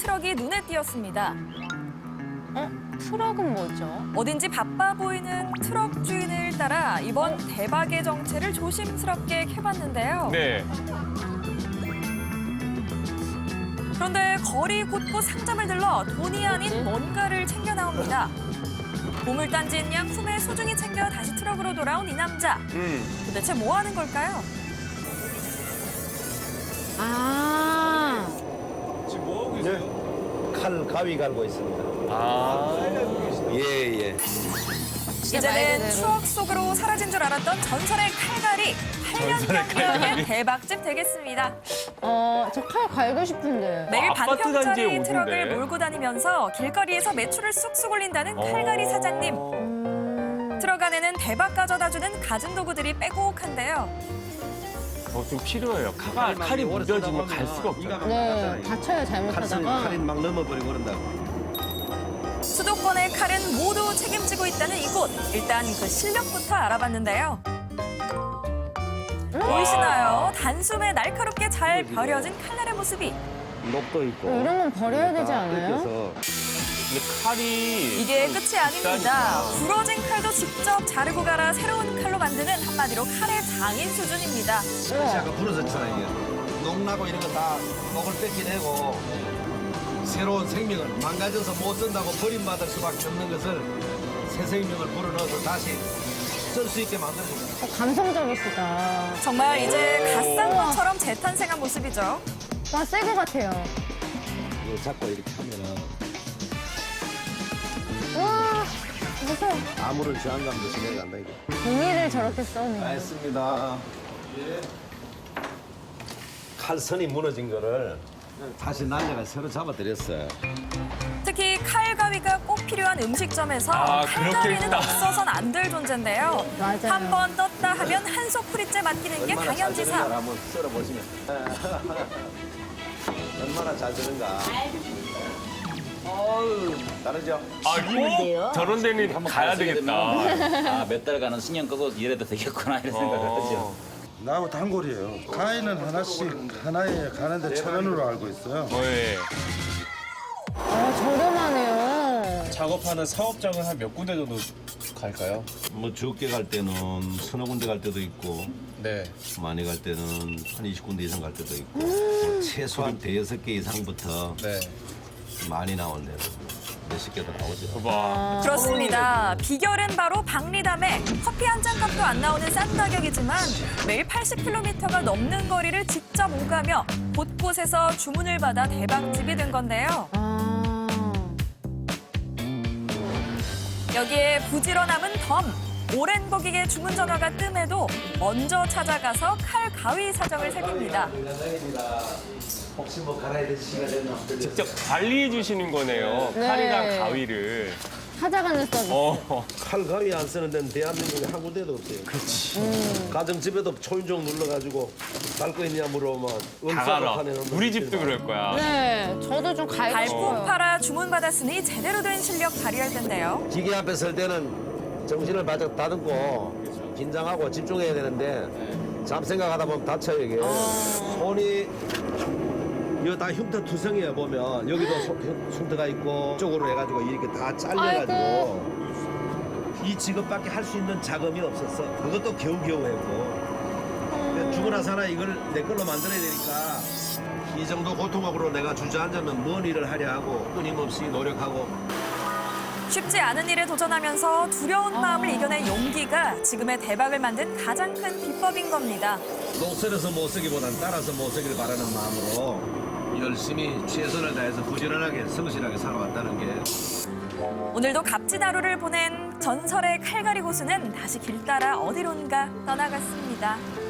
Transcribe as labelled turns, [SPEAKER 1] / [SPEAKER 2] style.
[SPEAKER 1] 트럭이 눈에 띄었습니다.
[SPEAKER 2] 트럭은 뭐죠?
[SPEAKER 1] 어딘지 바빠 보이는 트럭 주인을 따라 이번 대박의 정체를 조심스럽게 캐봤는데요.
[SPEAKER 3] 네.
[SPEAKER 1] 그런데 거리 곳곳 상점을 들러 돈이 아닌 뭔가를 챙겨 나옵니다. 보물단지인 양 품에 소중히 챙겨 다시 트럭으로 돌아온 이 남자. 도대체 뭐 하는 걸까요?
[SPEAKER 2] 아,
[SPEAKER 4] 칼 가위 갈고 있습니다.
[SPEAKER 3] 아.
[SPEAKER 4] 예.
[SPEAKER 1] 이제는 추억 속으로 사라진 줄 알았던 전설의 칼갈이 8년 경력의 대박집 되겠습니다.
[SPEAKER 2] 저 칼 갈고 싶은데.
[SPEAKER 1] 매일
[SPEAKER 3] 아파트 단지에
[SPEAKER 1] 반평짜리
[SPEAKER 3] 오던데.
[SPEAKER 1] 트럭을 몰고 다니면서 길거리에서 매출을 쑥쑥 올린다는 칼갈이 사장님. 트럭 안에는 대박 가져다주는 가진 도구들이 빼곡한데요.
[SPEAKER 3] 좀 필요해요. 칼이 무뎌지면 갈 수가 없잖아요.
[SPEAKER 2] 네, 다쳐요, 잘못하다가.
[SPEAKER 4] 칼이 막 넘어버리고 그런다고.
[SPEAKER 1] 수도권의 칼은 모두 책임지고 있다는 이곳. 일단 그 실력부터 알아봤는데요. 보이시나요? 단숨에 날카롭게 잘 벼려진 칼날의 모습이.
[SPEAKER 4] 녹도 있고.
[SPEAKER 2] 이런 건 버려야 되지
[SPEAKER 4] 다
[SPEAKER 2] 않아요?
[SPEAKER 4] 뜯겨서
[SPEAKER 3] 근데 칼이
[SPEAKER 1] 이게 끝이 아닙니다. 부러진 칼도 직접 자르고 갈아 새로운 칼로 만드는 한마디로 칼의 장인 수준입니다.
[SPEAKER 4] 그래서 아까 부러졌잖아 이게. 녹나고 이런 거 다 녹을 뺏기내고 새로운 생명을 망가져서 못 쓴다고 버림받을 수밖에 없는 것을 새 생명을 불어넣어서 다시 쓸 수 있게 만듭니다.
[SPEAKER 2] 감성적이시다.
[SPEAKER 1] 정말 이제 갓 산 것처럼 재탄생한 모습이죠.
[SPEAKER 2] 와, 새 거 같아요.
[SPEAKER 4] 이거 잡고 이렇게 하면은
[SPEAKER 2] 와, 무서워.
[SPEAKER 4] 아무런 저항감도 없이 내려간다 이게.
[SPEAKER 2] 종이를 저렇게 써네.
[SPEAKER 4] 알겠습니다. 칼선이 무너진 거를 다시 날려가 새로 잡아드렸어요.
[SPEAKER 1] 특히 칼 가위가 꼭 필요한 음식점에서 칼가위는
[SPEAKER 3] 그렇겠다.
[SPEAKER 1] 없어선 안 될 존재인데요.
[SPEAKER 2] 맞아요.
[SPEAKER 1] 한 번 떴다 하면 한속 풀이째 맡기는 게
[SPEAKER 4] 얼마나 잘
[SPEAKER 1] 당연지사.
[SPEAKER 4] 되는가 한번 썰어보시면. 얼마나 잘 되는가. 다르죠?
[SPEAKER 3] 꼭 저런 데는 가야 되겠다.
[SPEAKER 5] 아, 몇 달간은 신경 끄고 일해도 되겠구나 이런 생각을 하죠.
[SPEAKER 6] 나하고 단골이에요. 가위는 하나씩 하나에 가는데 1,000원으로 알고 있어요.
[SPEAKER 3] 네.
[SPEAKER 2] 저렴하네요.
[SPEAKER 7] 작업하는 사업장은 한 몇 군데 정도 갈까요?
[SPEAKER 4] 뭐 적게 갈 때는 서너 군데 갈 때도 있고
[SPEAKER 7] 네.
[SPEAKER 4] 많이 갈 때는 한 20군데 이상 갈 때도 있고 뭐 최소한 대여섯 개 이상부터
[SPEAKER 7] 네.
[SPEAKER 4] 많이 나온 데는 몇십 개도 나오죠.
[SPEAKER 3] 봐.
[SPEAKER 1] 그렇습니다. 비결은 바로 박리담에 커피 한 잔 값도 안 나오는 싼 가격이지만 매일 80km가 넘는 거리를 직접 오가며 곳곳에서 주문을 받아 대박집이 된 건데요. 여기에 부지런함은 덤. 오랜 고객의 주문 전화가 뜸해도 먼저 찾아가서 칼 가위 사정을 새깁니다.
[SPEAKER 4] 혹시 뭐 갈아야 될 시간 되나?
[SPEAKER 3] 직접 관리해 주시는 거네요.
[SPEAKER 2] 네.
[SPEAKER 3] 칼이랑 가위를.
[SPEAKER 2] 찾아가는 서비스.
[SPEAKER 4] 칼 가위 안 쓰는 데는 대한민국에 한 군데도 없어요. 그렇지. 가정집에도 초인종 눌러가지고 갈 거 있냐 물어보면
[SPEAKER 3] 다 갈아. 우리 집도 그럴 거야.
[SPEAKER 2] 네, 저도 좀 갈고
[SPEAKER 1] 발품
[SPEAKER 2] 싶어요.
[SPEAKER 1] 팔아 주문 받았으니 제대로 된 실력 발휘할 텐데요.
[SPEAKER 4] 기계 앞에 설 때는 정신을 바짝 다듬고 긴장하고 집중해야 되는데 잡생각하다 보면 다쳐요 이게. 손이 이거 다 흉터 투성이에요 보면 여기도 흉터가 있고 쪽으로 해가지고 이렇게 다 잘려가지고 이 직업밖에 할 수 있는 자금이 없었어. 그것도 겨우겨우 했고 죽으나 사나 이걸 내 걸로 만들어야 되니까 이 정도 고통으로 내가 주저앉으면 뭔 일을 하려 하고 끊임없이 노력하고.
[SPEAKER 1] 쉽지 않은 일에 도전하면서 두려운 마음을 이겨낸 용기가 지금의 대박을 만든 가장 큰 비법인 겁니다.
[SPEAKER 4] 녹슬어서 못 쓰기보단 따라서 못 쓰기를 바라는 마음으로 열심히 최선을 다해서 부지런하게 성실하게 살아왔다는 게.
[SPEAKER 1] 오늘도 값진 하루를 보낸 전설의 칼갈이 고수는 다시 길 따라 어디론가 떠나갔습니다.